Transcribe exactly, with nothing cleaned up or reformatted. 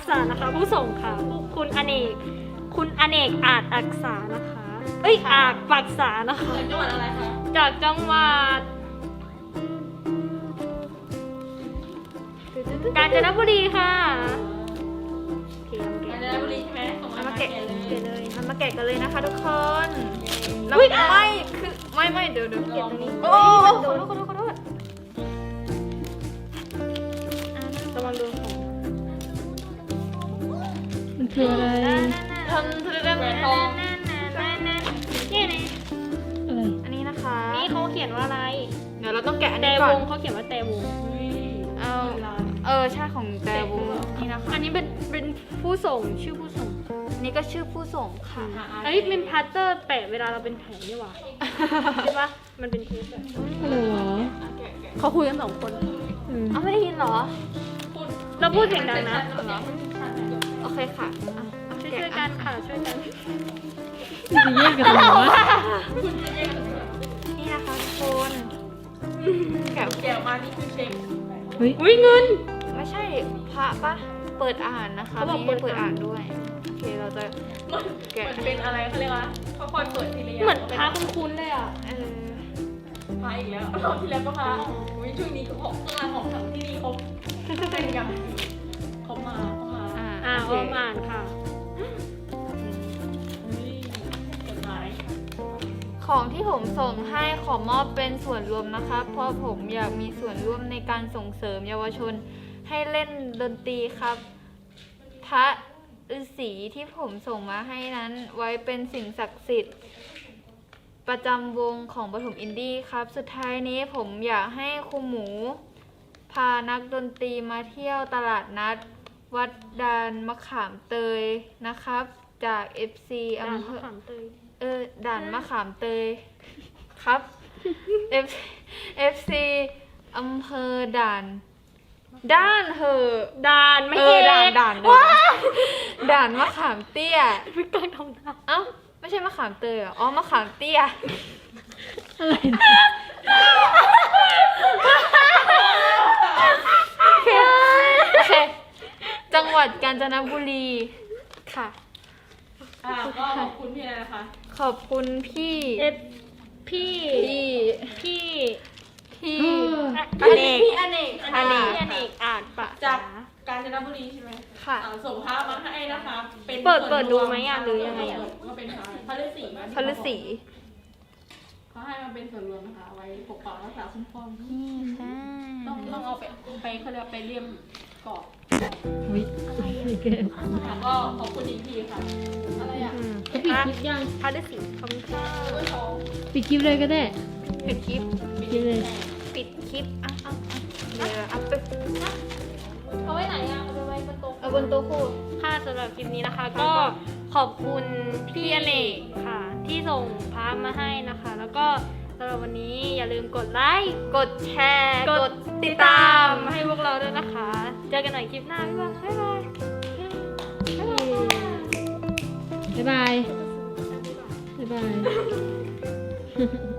ษานะคะ ผู้ส่งค่ะคุณอเนกคุณอเนกอาจอักษานะคะเอ้ยอาจปักษานะคะจากจังหวัดอะไรคะจากจังหวัดกาญจนบุรีค่ะโอเคกาญจนบุรีใช่ไหมส่งเอามามาแกะแกะเลยเดี๋ยวเลยเอามาแกะกันเลยนะคะทุกคนแล้วอุ๊ยไม่คือไม่ไม่เดี๋ยวเดี๋ยวเก็บตรงนี้โอ้ขขออโทโทษษขขออโทโทษษขอโทษระวังโดนของมันคืออะไรทำเธอได้แหไหวมนทองนี่นี่อะไรอันนี้นะคะนี่เขาเขียนว่าอะไรเดี๋ยวเราต้องแกะอันแต่นี้วก่อนงเขาเขียนว่าแต่วงเอาเออใช่ของแต่วงนี่นะคะอันนี้เป็นเป็นผู้ส่งชื่อผู้ส่งอันนี้ก็ชื่อผู้ส่งค่ะอันนี้เป็นพลาสเตอร์แปะเวลาเราเป็นแผลนี่หว่าใช่ปะมันเป็นเทปอะอะไรวะเขาคุยกันสองคนอืมเอาไม่ได้ยินเหรอเราพูดเสียงดังนะโอเคค่ะอ่ะเอาช่วยแกะช่วยกันค่ะช่วยกันมันจะแยกกันเหรอวะนี่นะคะทุกคน แกะแกะออกมานี่คือเช็คเฮ้ยอุ้ยเงินไม่ใช่พระปะเปิดอ่านนะคะเขาบอกมีให้เปิเปิดดอ่าอ่าน นด้วยโอเคเราจะเหมือนแกะเหมือนเป็นอะไรเขาเรียกว่าค่อยๆเปิดทีละอย่างเหมือนพาคุ้นๆเลยอ่ะเออพาอีกแล้วรอบที่แล้วก็พาอุ้ยช่วงนี้ก็ของเครื่องรางของขลังที่นี่เขาเป็นอย่างเขามาเขามาอ่าอ่าโอออเคมอ่านค่ะอุ้ยจดหมายของที่ผมส่งให้ขอมอบเป็นส่วนรวมนะคะ เพราะผมอยากมีส่วนร่วมในการส่งเสริมเยาวชนให้เล่นดนตรีครับ พระฤาษีที่ผมส่งมาให้นั้นไว้เป็นสิ่งศักดิ์สิทธิ์ ประจำวงของปฐมอินดี้ครับ สุดท้ายนี้ผมอยากให้ครูหมู พานักดนตรีมาเที่ยวตลาดนัด วัดดานมะขามเตยนะครับ จาก เอฟ ซีด่านอำเภมะอขามเตยเออด่านมะขามเตยครับ F FC อำเภอด่าน ด้านเหอะด่านไม่เอเออก ด่านด่านด่านด่านมะขามเตี้ยไม่กล้าทำหน้าเอ้าไม่ใช่มะขามเตยเหรออ๋อมะขามเตี้ยอะไรนะโอเคโอเค จังหวัดกาญจนบุรีค่ะอ่าก็ขอบคุณพี่อะไรนะคะขอบคุณพี่เอฟพี่พี่พี่พี่อเนกพี่อเนกอเนกพี่อเนกอ่านปะจากกาญจนบุรีใช่ไหมค่ะอ่าส่งพระมาให้นะคะ เป็นเปิดส่วนเปิดดูรวไหมอ่ะหรือยังไงอ่ะก็เป็นพระพระฤาษีนะพระฤาษีเขาให้มาเป็นส่วนรวมนะคะเอาไว้ปกปักรักษาคุ้มครองนี่ใช่ต้องต้องเอาไปไปเขาเรียกว่าไปเลี่ยมกรอบเฮ้ยไม่เกินแล้วก็ขอบคุณอีกทีค่ะ อะไรอ่ะอืมเขาปิดคลิปยังพาฤาษีขอบคุณค่ะเอ้ยเขาปิดคลิปเลยก็ได้ปิดคลิปปิดคลิปเลยปิดคลิปอ่ะอ่ะอ่ะเดี๋ยวเอาไปเอาไว้ไหนอ่ะเอาไปไว้บนโต๊ะเอาบนโต๊ะคู่ค่ะสำหรับคลิปนี้นะคะ ก็ขอบคุณพี่อเนกค่ะ ที่ส่งพามาให้นะคะ แล้วก็สำหรับวันนี้อย่าลืมกดไลค์กดแชร์กกดดติติดดตาตาม มให้พวกเราด้วยนะคะ เจอกันใหม่คลิปหน้า บ๊ายบาย บ๊ายบายบ๊ายบาย บ๊ายบาย